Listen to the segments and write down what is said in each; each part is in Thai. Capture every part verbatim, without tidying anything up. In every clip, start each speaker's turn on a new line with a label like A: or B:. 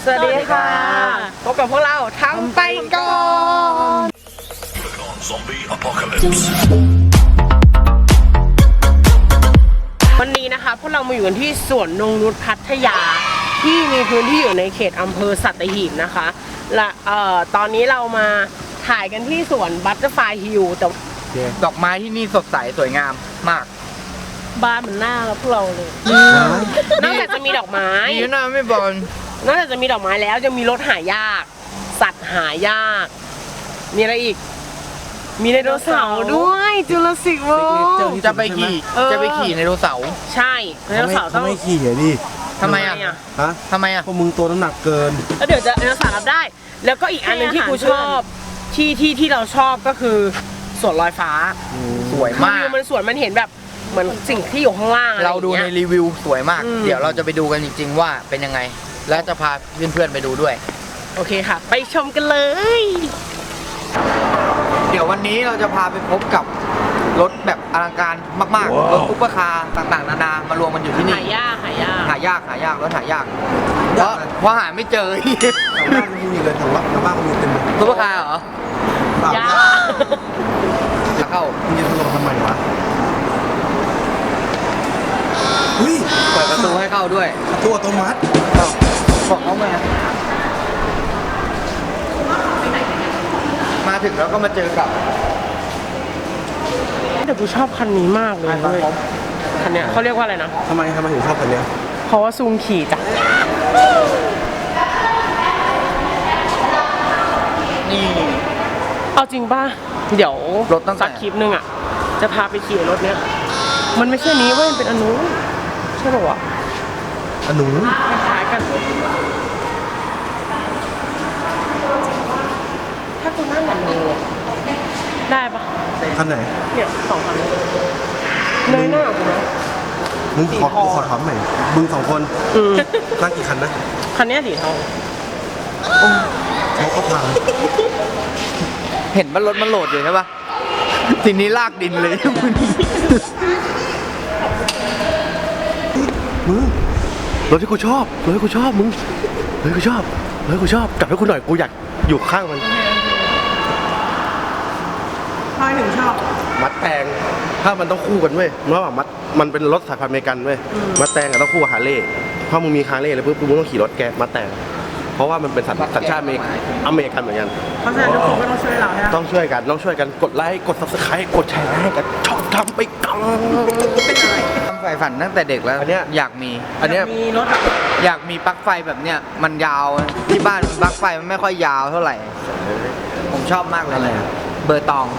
A: วัสดีค่ะพบกับพวกเราทำไปก่อนวันนี้นะคะพวกเรามาอยู่กันที่สวนนงนุชพัทยาที่มีพื้นที่อยู่ในเขตอำเภอสัตหีบนะคะและเอ่อตอนนี้เรามาถ่ายกันที่สวนบัตเตอร์ไฟฮิลแต่
B: ดอกไม้ที่นี่สดใสสวยงามมาก
A: บ้านเหมือนหน้าเราพวกเราเลยนอกจากจะมีดอกไม้
B: ดีนะไม่บอล
A: นอกจากจะมีดอกไม้แล้วจะมีรถหายากสัตว์หายากมีอะไรอีกมีไดโนเสาร์ด้วยจูราสสิกเวิลด์
B: จะไปขี่จะไปขี่ไดโนเสาร์
A: ใช่ไดโนเสาร์ต้อง
C: ไม่ขี่เหรอดิ
B: ทำไมอ่ะ
C: ฮะ
B: ทำไมอ่ะ
C: พวกมึงตัวน้ำหนักเกิน
A: แล้วเดี๋ยวจะไดโนเสาร์รับได้แล้วก็อีกอันนึงที่กูชอบที่ที่ที่เราชอบก็คือสวนลอยฟ้า
B: สวยมาก
A: มันสวยมันเห็นแบบเหมือนสิ่งที่อยู่ข้างล่าง
B: เราดูในรีวิวสวยมากเดี๋ยวเราจะไปดูกันจริงๆว่าเป็นยังไงและจะพาเพื่อนๆไปดูด้วย
A: โอเคค่ะไปชมกันเลย
B: เดี๋ยววันนี้เราจะพาไปพบกับรถแบบอลังการมากๆรถซุปเปอร์คาร์ต่างๆนานามารวมกันอยู่ที่นี่
A: หายากหายาก
B: หายากหายากรถหายากเพราะเพราะหาไม่เจอ
C: ทางบ้านไม่มีเลยทางบ้านทางบ้านก็มีเต็มเลย
B: ซุปเปอร์คาร์เหร
A: อยาก
B: จะเข้า
C: มึงจะลงทำไมวะเฮ้ย
B: เปิดประตูให้เข้าด้วย
C: ประตูอัตโนมัติ
B: บอกเขามามาถึงแล้วก็มาเจอกับ
A: แต่กูชอบคันนี้มากเลยคันเนี้ยเขาเรียกว่าอะไรนะ
C: ทำไมทำไมถึงชอบคันเนี้ย
A: เพราะว่าซูงขี่จ้ะ
B: นี่
A: เอาจริงป่ะเดี๋ยว
B: รถตั้ง
A: สักคลิปนึงอ่ะจะพาไปขี่รถเนี้ยมันไม่ใช่นี้เว้ยเป็นอนุใช่ป่าวะ
C: อนุ
A: คล้ายกันถ้ากูนั่งอนุได้ปะ
C: คันไหน
A: เนี่ยสองคันเลยหน้ากูนะ
C: มึงขอขอถามใหม่มึงสองคนนั่งกี่คันนะ
A: คันนี้สีทอง
C: เขาก็พัง
B: เห็นว่ารถมันโหลดอยู่ใช่ปะทีนี้ลากดินเลย
C: มึงรถที่กูชอบรถที่กูชอบมึงรถที่กูชอบรถที่กูชอบจับให้กูหน่อยกูอยากอยู่ข้างมัน
A: ทำไมถึงชอบ
C: มัดแตงถ้ามันต้องคู่กันเว้ยเมื่อว่ามัดมันเป็นรถสายพันธุ์อเมริกันเว้ยมัดแตงกับต้องคู่กับฮาร์เลย์เพราะมึงมีฮาร์เลย์เลยปุ๊บมึงต้องขี่รถแกมัดแตงเพราะว่ามันเป็นสัญชาติอเมริกันอเมริกันเหมือนกัน
A: เพราะฉะนั้นทุกคนก็ต้องช่วยเรา
C: ต้องช่วยกันต้องช่วยกันกดไลค์กดซับสไครต์กดแชร์ให้กันชอบทำไปกัน
B: เป็นอะไรทำไฟฝันตั้งแต่เด็กแล้วอันเนี้ยอยากมี
A: อันเนี้ยมีรถ
B: อยากมีปลั๊กไฟแบบเนี้ยมันยาวที่บ้านปลั๊กไฟมันไม่ค่อยยาวเท่าไหร่ผมชอบมากเลยอะไรเบอร์ตอง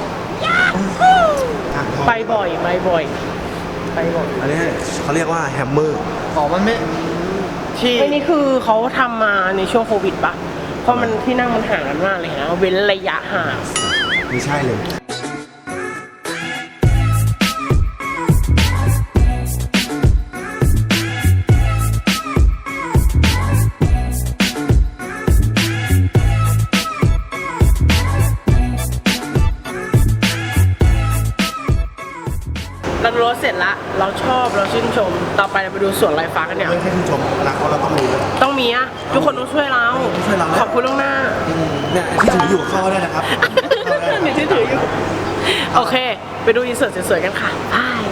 A: ไปบ่อยไปบ่อยไปบ่อย
C: อันนี้เขาเรียกว่าแฮมเมอร์
B: อ๋อมันไม่
A: ที่ไอ้นี่คือเขาทำมาในช่วงโควิดปะเพราะมันที่นั่งมันห่างกันมากเลยนะเว้นระยะห่าง
C: ไม่ใช่เลย
A: เราดูรถเสร็จละเราชอบเราชื่นชมต่อไปเราไปดูสวนลอยฟ้ากันเนี่ย
C: ไม่ใช่ชื่นชมรักเราต้องมี
A: ต้องมีอะทุกคนต้องช่วยเรา
C: ช่วยเรา
A: ขอบคุณล่วงหน้า
C: เนี่ยที่ถืออยู่เข้าได้นะครับ
A: เนี่ยที่ถืออยู่โอเคไปดูอินเสิร์ตสวยๆกันค่ะบาย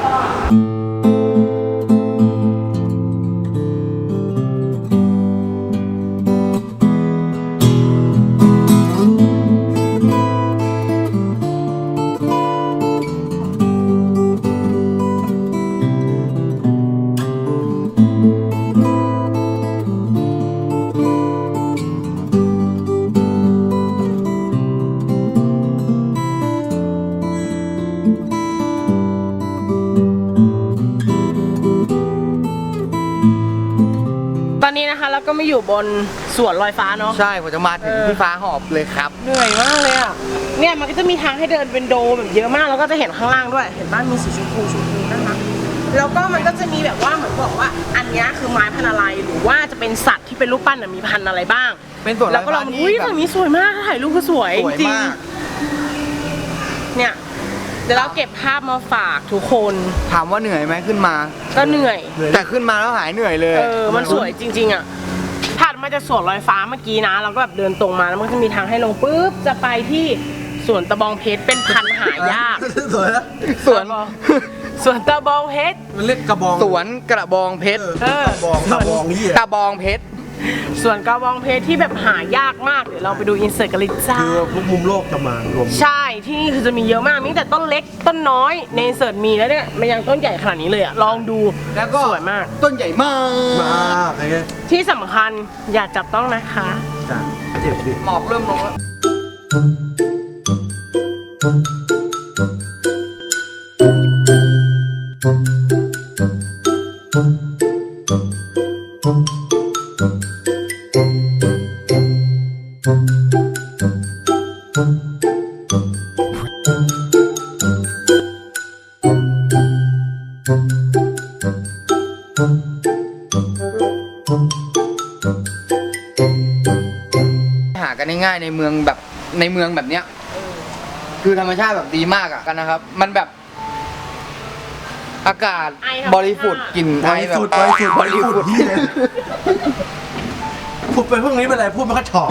A: ตอนนี้นะคะเราก็ไม่อยู่บนสวนลอยฟ้าเนาะ
B: ใช่ผมจะมาถึงที่ฟ้าหอบเลยครับ
A: เหนื่อยมากเลยอ่ะเนี่ยมันก็จะมีทางให้เดินเป็นโดแบบเยอะมากแล้วก็จะเห็นข้างล่างด้วยเห็นบ้านมีสีชมพูชมพูนะคะแล้วก็มันก็จะมีแบบว่าเหมือนบอกว่าอันนี้คือไม้พันธุ์อะไรหรือว่าจะเป็นสัตว์ที่เป็นรูปปั้นมีพันธุ์อะไรบ้าง
B: เป็นสวน
A: แล้วก็เราอุ้ยฝั่งนี้สวยมากถ่ายรูปก็สวยจริงเนี่ยเดี๋ยวเราเก็บภาพมาฝากทุกคน
B: ถามว่าเหนื่อยไหมขึ้นมา
A: ก็เหนื่อย
B: แต่ขึ้นมาแล้วหายเหนื่อยเลย
A: เออมันสวยจริงๆอ่ะถัดมาจากสวนลอยฟ้าเมื่อกี้นะเราก็แบบเดินตรงมาแล้วมันก็จะมีทางให้ลงปุ๊บจะไปที่สวนตะบองเพชรเป็นพันธุ์หายาก
C: สวยนะ
B: สวน
A: สวนตะบองเพชร
C: มันเรียกกระบอง
B: สวนกระบองเพชร
A: เออ
C: กระบองกระบองนี่
B: กระบองเพชร
A: ส่วนกระบองเพชรที่แบบหายากมากเดี๋ยวเราไปดูอินเสิร์ตกันเลยจ้า
C: คือพวกมุมโลกจะมารวม
A: ใช่ที่นี่คือจะมีเยอะมากมีตั้งแต่ต้นเล็กต้นน้อยในอินเสิร์ตมีแล้วเนี่ยมันยังต้นใหญ่ขนาดนี้เลยอะลองดู
B: แล้วก็
A: สวยมาก
B: ต้นใหญ่มาก
C: มากไอ้เงี้ย
A: ที่สำคัญอย่าจับต้องนะคะ
C: จ้ะเจ็บดิ
B: หมอกเริ่มลงแล้ว หากันง่ายๆในเมืองแบบในเมืองแบบเนี้ยคือธรรมชาติแบบดีมากอะกันนะครับ มันแบบ อากาศ
A: ไอธรรมชาติ
B: บริสุทธิ์กลิ่น
C: บ
B: ไอ
C: ริ
B: แบบ
C: สุทธิ์บริสุทธิ์บริสุทธิ์ที่เลยพูดไปพวกนี้เป็นไรพูดไม่ค่อยถ่อม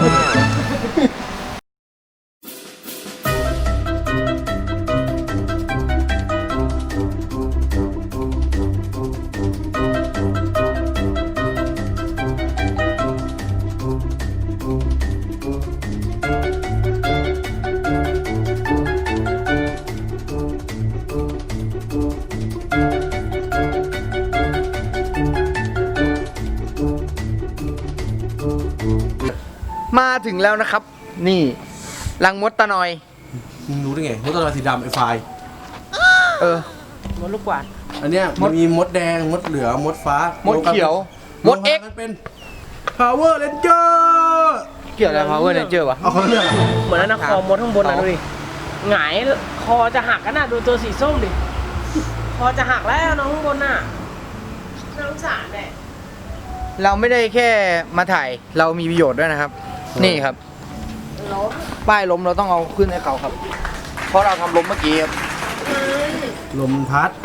B: มาถึงแล้วนะครับ นี่รังมดตะนอย
C: มึงรู้ได้ไงมดตัวสีดำไอ้ไฟ
B: เออ
A: มดลูกกวาด
C: อันเนี้ยมันมีมดแดงมดเหลืองมดฟ้าม
B: ดเขียวมด X
C: มันเป็น Power Ranger
B: เกี่ยวอะไร Power Ranger วะ
C: เอาเขาเรื่องอะไร
A: เหมือนนะคอมดข้างบนนะดูดิหงายคอจะหักกันนะดูตัวสีส้มดิคอจะหักแล้วน้องข้างบนน่ะน่าสงสารแหละ
B: เราไม่ได้แค่มาถ่ายเรามีประโยชน์ด้วยนะครับ นี่ครับ
A: ล้ม
B: ป้ายล้มเราต้องเอาขึ้นให้เขาครับ เพราะเราทำล้มเมื่อกี้ครับ
C: ลมพัด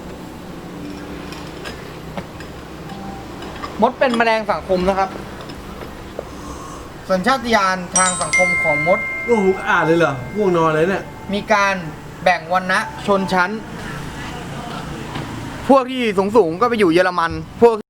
B: มดเป็นแมลงสังคมนะครับสัญชาตญาณทางสังคมของมด
C: โอ้โหอ่านเลยเหรอง่วงนอนเลยเนี่ย
B: มีการแบ่งวรรณะชนชั้น พวกที่สูงสูงๆก็ไปอยู่เยอรมัน พวก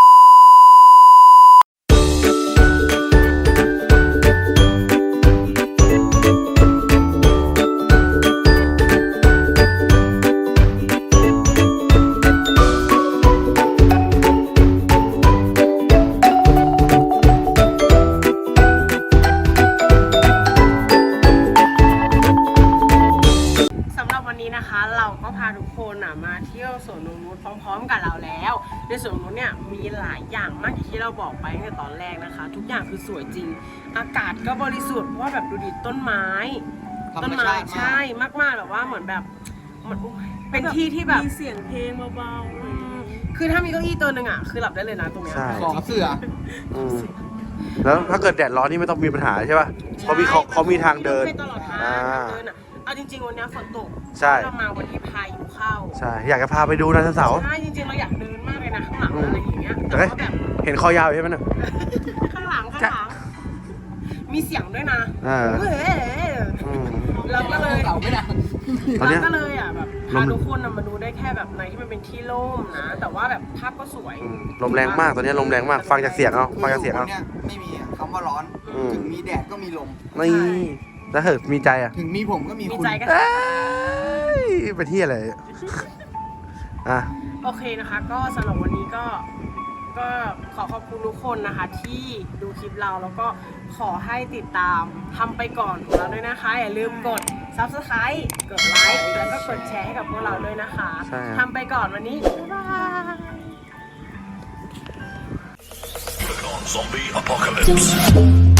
A: สำหรับวันนี้นะคะ เราก็พาทุกคนอ่ะมาเที่ยวสวนนงนุชพร้อมๆกับเราแล้วในสวนนงนุชเนี่ยมีหลายอย่างมากอย่างที่เราบอกไปตั้งแต่ตอนแรกนะคะ ทุกอย่างคือสวยจริง อากาศก็บริสุทธิ์เพราะว่าแบบดูดิต้นไม้
B: ธร
A: ต้
B: ร
A: น
B: ม
A: ไม้
B: ชาติมาก
A: ใช่มากๆแบบว่าเหมือนแบบมันเป็นที่ที่แบบ
D: มีเสียงเพลงเบา
A: อืมคือถ้ามีเก้าอี้ตัวหนึ่งอ่ะคือหลับได้เลยนะตรงเนี้ย
C: ใช่
B: ขอเสือ
C: อืมแล้วถ้าเกิดแดดร้อนนี่ไม่ต้องมีปัญหาใช่ป่ะเขามีเขาเขามีทางเดิน
A: ไปตลอดทาง
C: อ่า
A: ทางเดินอ่ะเอาจริงๆวันเนี้ยฝนตก
C: ใช่
A: เรามาวันที่พายุเข้า
C: ใช่อยากจะพาไปดูไดโนเสาร์
A: ใช่จริงๆเราอยากเดินมากเลยนะข้างหลัง
C: อืม
A: อะไรอย่างเงี้ย
C: แต่
A: แต่
C: ก็
A: ว่าแบบ
C: เห็นคอยาวอยู่ใช่ไหมเนี่ย
A: ข้างหลังข้างหลังมีเสียงด้วยนะ
C: อ่า
A: เฮ้ย
C: อืม
A: เราก็เลย
B: เก่าไม่ได้
C: ตอนเนี้ย
A: เราก็เลยอ่ะแบบ
C: ล
A: พาม ทุกคนน่ะมาดูได้แค่แบบในที่มันเป็นที่โล่งนะ แต่ว่าแบบภาพก็สวย
C: อืมลมแรงมากตอนนี้ลมแรงมากฟังจากเสียงเอาฟังจากเสียงเอา
B: เนี่ยไม่มีคำว่าร้อน
C: อืม
B: ถึงมีแดดก็มีลม
C: นี่แล้วเหิดมีใจอ่ะ
B: ถึงมีผมก็มี
A: มี
B: คุณ
A: ใจกัน
C: เอ้ยไปที่อะไรอ่ะ
A: โอเคนะคะ ก็สำหรับวันนี้ก็ก็ขอขอบคุณทุกคนนะคะ ที่ดูคลิปเราแล้วก็ขอให้ติดตามทำไปก่อนของเราด้วยนะคะ อย่าลืมกด ซับสไครบ์ กดไลค์แล้วก็กดแชร์ให้กับพวกเราด้วยนะคะ
C: ใช่ครับ
A: ทำไปก่อนวันนี้ บ๊ายบาย
E: Zombie apocalypse.